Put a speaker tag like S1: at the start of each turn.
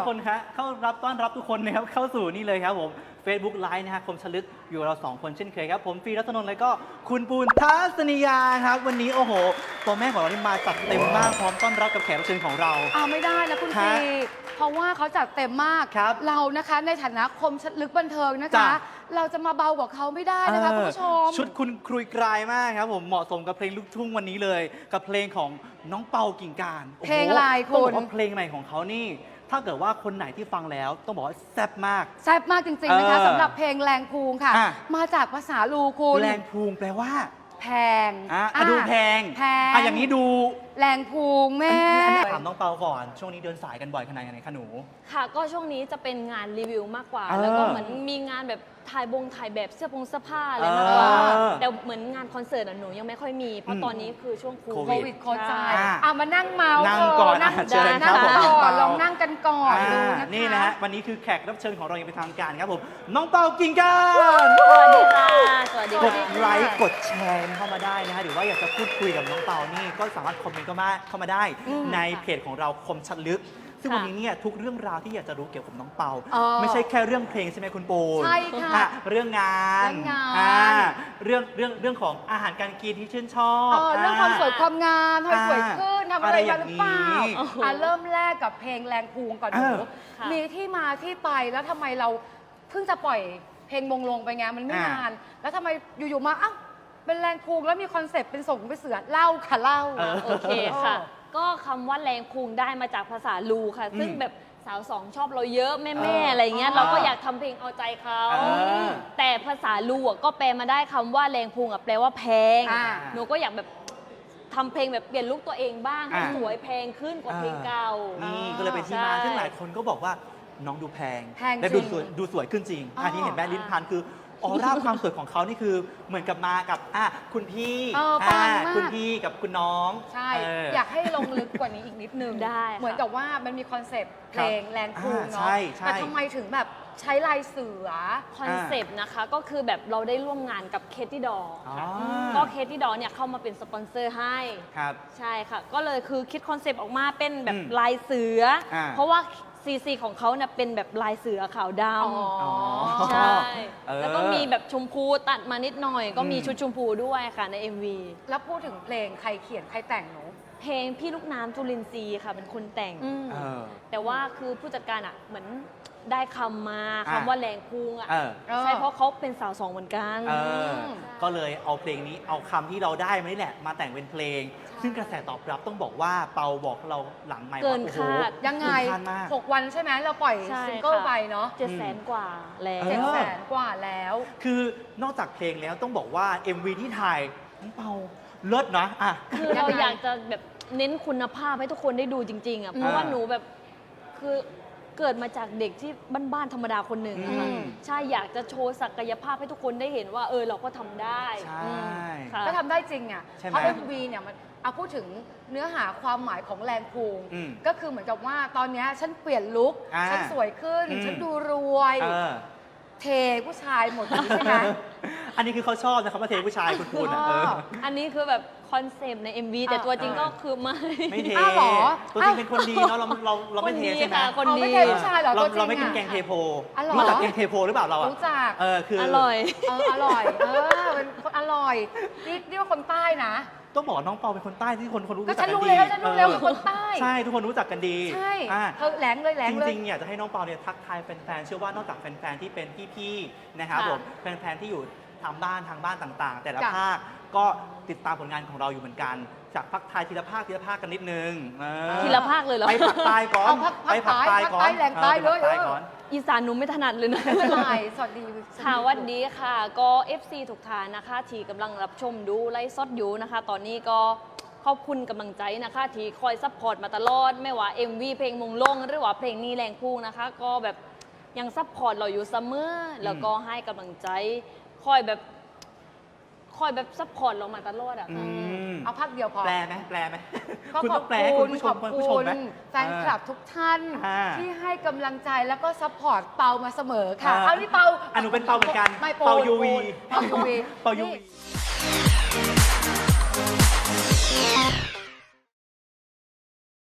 S1: คนครับต้อนรับทุกคนนะครับเข้าสู่นี่เลยครับผม Facebook Live นะฮะคมชลึกอยู่เรา2คนเช่นเคยครับผมฟีรัตนนท์และก็คุณปูนทัศนียาครับวันนี้โอ้โหตัวแม่ของเรานี่มาจัดเต็มมากพร้อมต้อนรับกับแขกรับเชิญของเรา
S2: ไม่ได้นะคุณฟีเพราะว่าเขาจัดเต็มมากเรานะคะในฐานะคมชลึกบันเทิงนะคะเราจะมาเบากว่าเขาไม่ได้นะคะคุณผู้ชม
S1: ชุดคุณครุยกรายมากครับผมเหมาะสมกับเพลงลูกทุ่งวันนี้เลยกับเพลงของน้องเปากิ่งการ
S2: เพลงอะไรคุณ
S1: ต้องบอกว่าเพลงใหม่ของเขานี่ถ้าเกิดว่าคนไหนที่ฟังแล้วต้องบอกว่าแซ่บมาก
S2: แซ่บมากจริงๆนะคะสำหรับเพลงแรงพูงค่ะมาจากภาษาลูคุณ
S1: แรงพูงแปลว่า
S2: แพง
S1: ดูแพงอย่างนี้ดู
S2: แรงพูงแม่
S1: ถามน้องเปาก่อนช่วงนี้เดินสายกันบ่อยขนาดไหนคะหนู
S3: ค่ะก็ช่วงนี้จะเป็นงานรีวิวมากกว่าแล้วก็เหมือนมีงานแบบถ่ายแบบเสื้อผ้าอะไรมากกว่าแต่เหมือนงานคอนเสิร์ตหนูยังไม่ค่อยมีเพราะตอนนี้คือช่วงโควิด
S2: โควิดมานั่งเมาส์
S1: นั่งก่อน
S2: เชิญครับผมลองนั่งกันก่อนดูนะคะ
S1: นี่นะฮะวันนี้คือแขกรับเชิญของเราอย่างเป็นทางการครับผมน้องเปากิ่งการ
S3: สวัสดีค่ะสวัสดี
S1: กดไลค์กดแชร์เข้ามาได้นะฮะหรือว่าอยากจะพูดคุยกับน้องเปานี่ก็สามารถคอมเมนต์เข้ามาได้ในเพจของเราคมชัดลึกซึ่งวันนี้เนี่ยทุกเรื่องราวที่อยากจะรู้เกี่ยวกับน้องเปาไม่ใช่แค่เรื่องเพลงใช่ไหมคุณปู
S2: ใช่ค่ะ
S1: เรื่องงานเรื่องของอาหารการกินที่ชื่นชอบ
S2: เรื่องความสวยความงามทำไมสวยขึ้นทำอะไรมาหรือเปล่าเริ่มแรกกับเพลงแรงพูงก่อนหนูมีที่มาที่ไปแล้วทำไมเราเพิ่งจะปล่อยเพลงมงลงไปไงมันไม่นานแล้วทำไมอยู่ๆมาเป็นแรงพูงแล้วมีคอนเซปต์เป็นส่งไปเสือเล่าค่ะเล่า
S3: โอเคค่ะก็คำว่าแรงพูงได้มาจากภาษาลูค่ะซึ่งแบบสาวสองชอบเราเยอะแม่อะไรเงี้ยเราก็อยากทำเพลงเอาใจเขาแต่ภาษาลูก็แปลมาได้คำว่าแรงพูงแปลว่าแพงหนูก็อยากแบบทำเพลงแบบเปลี่ยนลุคตัวเองบ้างให้สวยแพงขึ้นกว่าเพลงเก่า
S1: นี่ก็เลยเป็นที่มาซึ่งหลายคนก็บอกว่าน้องดูแพงและดูสวยขึ้นจริงอันนี้เห็นแม่ลิ้นพันคือออร่าความสวยของเขานี่คือเหมือนกับมากับคุณพี่คุณพี่กับคุณน้อง
S2: ใช่อยากให้ลงลึกกว่านี้อีกนิดนึง
S3: ได้
S2: เหมือนกับว่ามันมีคอนเซปต์เพลงแรงพูงเนาะแต่ทำไมถึงแบบใช้ลายเสือ
S3: คอนเซปต์นะคะก็คือแบบเราได้ร่วมงานกับเคที่ดอก็เคที่ดอเนี่ยเข้ามาเป็นสปอนเซอร์ให้ใช่ค่ะก็เลยคือคิดคอนเซปต์ออกมาเป็นแบบลายเสือเพราะว่าซีของเขาเนี่ยเป็นแบบลายเสือขาวดำใช่แล้วก็มีแบบชมพูตัดมานิดหน่อยก็มีชุดชมพูด้วยค่ะใน MV
S2: แล้วพูดถึงเพลงใครเขียนใครแต่งหนู
S3: เพลงพี่ลูกน้ำจุลินทรีย์ค่ะเป็นคนแต่งแต่ว่าคือผู้จัดการเหมือนได้คำมาคำว่าแรงพูงใช่เพราะเขาเป็นสาวสองเหมือนกัน
S1: ก็เลยเอาเพลงนี้เอาคำที่เราได้มานี่แหละมาแต่งเป็นเพลงซึ่งกระแสตอบรับต้องบอกว่าเปาบอกเราหลังไมค์ว่า
S3: โอ้โห
S2: ยังไง6 วันใช่ไหมเราปล่อยซิงเกิลไปเนาะ
S3: 700,000 กว่าแล้ว
S2: 700,000 กว่าแล้ว
S1: คือนอกจากเพลงแล้วต้องบอกว่า MV ที่ถ่ายน้องเปาเลิศนะ
S3: คือเราอยากจะแบบเน้นคุณภาพให้ทุกคนได้ดูจริงๆเพราะว่าหนูแบบคือเกิดมาจากเด็กที่บ้านๆธรรมดาคนหนึ่งใช่อยากจะโชว์ศักยภาพให้ทุกคนได้เห็นว่าเราก็ทำได้
S2: ก็ทำได้จริงเพราะ MV เนี่ยมันพูดถึงเนื้อหาความหมายของแรงพูงก็คือเหมือนกับว่าตอนนี้ฉันเปลี่ยนลุคฉันสวยขึ้นฉันดูรวยเทผู้ชายหมดใช่ไหม
S1: อันนี้คือเขาชอบนะเขามาเทผู้ชายคุณพูด
S3: อันนี้คือแบบคอนเซปต์ใน MV แต่ตัวจริงก็คือ
S1: ไม่เทตัวจริงเป็นคนดีเนาะเราไม่เทใช่ไหม
S2: คนดีไม่เทผู้ชายหรอ
S1: เราไม่กินแกงเทโพรู้จักแกงเทโพหรือเปล่าเรา
S2: รู้จัก
S1: คือ
S3: อร่อย
S2: อร่อยเป็นคนอร่อยนี่ว่าคนใต้นะ
S1: ต้องบอกน้องเปาเป็นคนใต้ที่คนรู้จัก
S2: กันดีฉันรู้แล้วคนใต้
S1: ใช่ทุกคนรู้จักกันดี
S2: ใช่แหลงเลย
S1: จริงๆอยากจะให้น้องเปาเนี่ยทักทายแฟนๆเชื่อว่านอกจากแฟนๆที่เป็นพี่ๆนะครับผมแฟนๆที่อยู่ทางบ้านต่างๆแต่ละภาคก็ติดตามผลงานของเราอยู่เหมือนกันจากภาคไทยทีละภาคกันนิดนึง
S3: ทีละภาคเลยเหรอ
S1: ไปภาคใต้ก่อน
S2: ไปภาคใต้ก่อนแหลงใต้เลย
S3: อีสานหนูไม่ถนัดเลยนะ
S2: สวัสดี
S3: ค่ะวันนี้ค่ะก็ FC ทุกท่านนะคะที่กำลังรับชมดูไลฟ์สดอยู่นะคะตอนนี้ก็ขอบคุณกำลังใจนะคะที่คอยซัพพอร์ตมาตลอดไม่ว่า MV เพลงมงลงหรือว่าเพลงนี้แรงพูงนะคะก็แบบยังซัพพอร์ตเราอยู่เสมอแล้วก็ให้กำลังใจคอยแบบซัพพอร์ตเรามาตลอด
S2: เอาพักเดียวพอ
S1: แปลไหม
S2: คุณต้องแปลคุณผู้ชมแฟนคลับทุกท่านที่ให้กำลังใจแล้วก็ซัพพอร์ตเปามาเสมอค่ะเอานี่เปา
S1: หนูเป็นเปาเหมือนกัน
S2: เปายูวี
S1: เปายูวี